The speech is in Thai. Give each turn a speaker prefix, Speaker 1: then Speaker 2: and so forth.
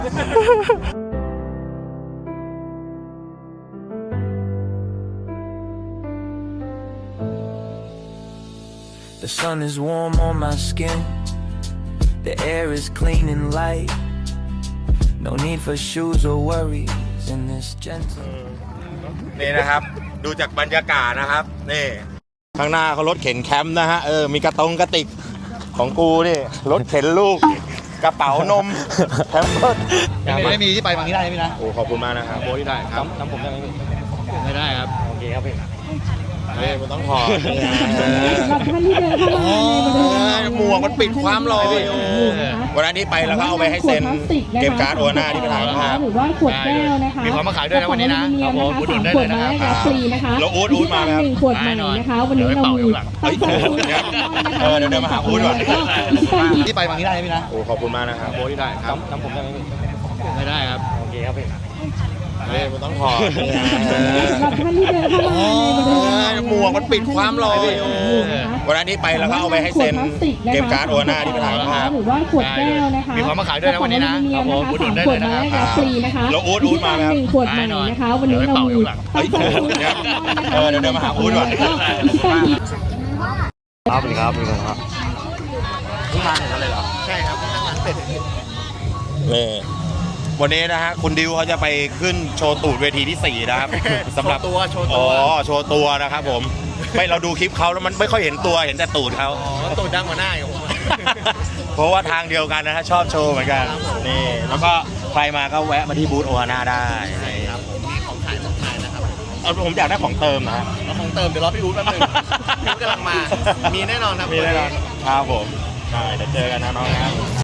Speaker 1: The sun is warm on my skin. The air is clean and light. No need for shoes or worries in this gentle.
Speaker 2: นี่นะครับ ดูจากบรรยากาศนะครับนี่ข้างหน้าเขารถเข็นแคมป์นะฮะมีกระติกของกูนี่รถเข็นลูกกระเป๋านมแคมเพิร์ด
Speaker 3: ไม่มีที่ไปบางที่ได้ไหมนะ
Speaker 2: โอ้ขอบคุณมากนะครับ
Speaker 3: โบที่ได้ครับจำผมได้ไหมไม่ได้ครับโอเคครับพี่
Speaker 2: มันต้องถอด
Speaker 4: ท่านที่เดินเข้ามาในบริเวณ
Speaker 2: หมวกมันปิดความลอยวันนั้นที่ไปแล้วก็เอาไปให้เซ็นเก็บการ์ดโอน่าที่ไปถ่ายภาพ
Speaker 4: หรือว่าขวดแก้วนะคะ
Speaker 3: มีความมาขายด้วยนะวันนี้นะครับผมอุดหนุนได้เลยนะครับ
Speaker 4: ฟรีนะคะ
Speaker 2: แล้วอู๊ดมาไหมครับ
Speaker 4: 1ขวดใหม่นะคะวันนี้เรามี
Speaker 2: เดี๋ยวมาหาอู๊ดก่อน
Speaker 3: ที่ไปบางที่ได้ไหมนะ
Speaker 2: โอ้ขอบคุณมากนะครับ
Speaker 3: โบที่ได้ครับจำผมได้ไหมไม่ได้ครับโอเคครับพี่
Speaker 2: มันต้องถอด
Speaker 4: ท่านที่เดินเข้ามาในบริเวณ
Speaker 2: หมวกมันปิดความลอยวันนั้นที่ไปแล้วก็เอาไปให้เซ็นเก็บการ์ดโอน่าที่ไปถ่ายภาพ
Speaker 4: หรือว่าขวดแก้วนะคะ
Speaker 3: มีความมาขายด้วยนะวันนี้นะครับผมอุดหนุนได้เลยนะครับ
Speaker 4: ฟรีนะคะ
Speaker 2: แล้วอู๊ดมาไหมครับ
Speaker 4: 1ขวดใหม่นะคะวันนี้เรามี
Speaker 2: เดี๋ยวมาหาอู๊ดก่อน
Speaker 3: ครับพี่ครับเพิ่งมาถึงแล้วเลยเหรอ
Speaker 2: ใช่ครับทำงานเสร็จนี่วันนี้นะฮะคุณดิวเขาจะไปขึ้นโชว์ตูดเวทีที่4นะครับสำหรับ
Speaker 3: โชว์ตัว
Speaker 2: โชว์ตัวนะครับผมไม่เราดูคลิปเขาแล้วมันไม่ค่อยเห็นตัวเห็นแต่ตูดเขา
Speaker 3: ตูดดังกว่าหน้าอยู่
Speaker 2: เพราะว่าทางเดียวกันนะฮะชอบโชว์เหมือนกันนี่แล้วก็ใครมาก็แวะมาที่บูธโอฮาน่าได้
Speaker 3: ครับผมมีของขายนะครับ
Speaker 2: ผมอยากได้ของเติมนะฮะ
Speaker 3: ของเติมเดี๋ยวรอพี่อู๊ดแป๊บนึงพี่อู๊ดกำลังมามีแน่นอนครับ
Speaker 2: มีแน่นอนครับผมเดี๋ยวเจอกันนะน้องครับ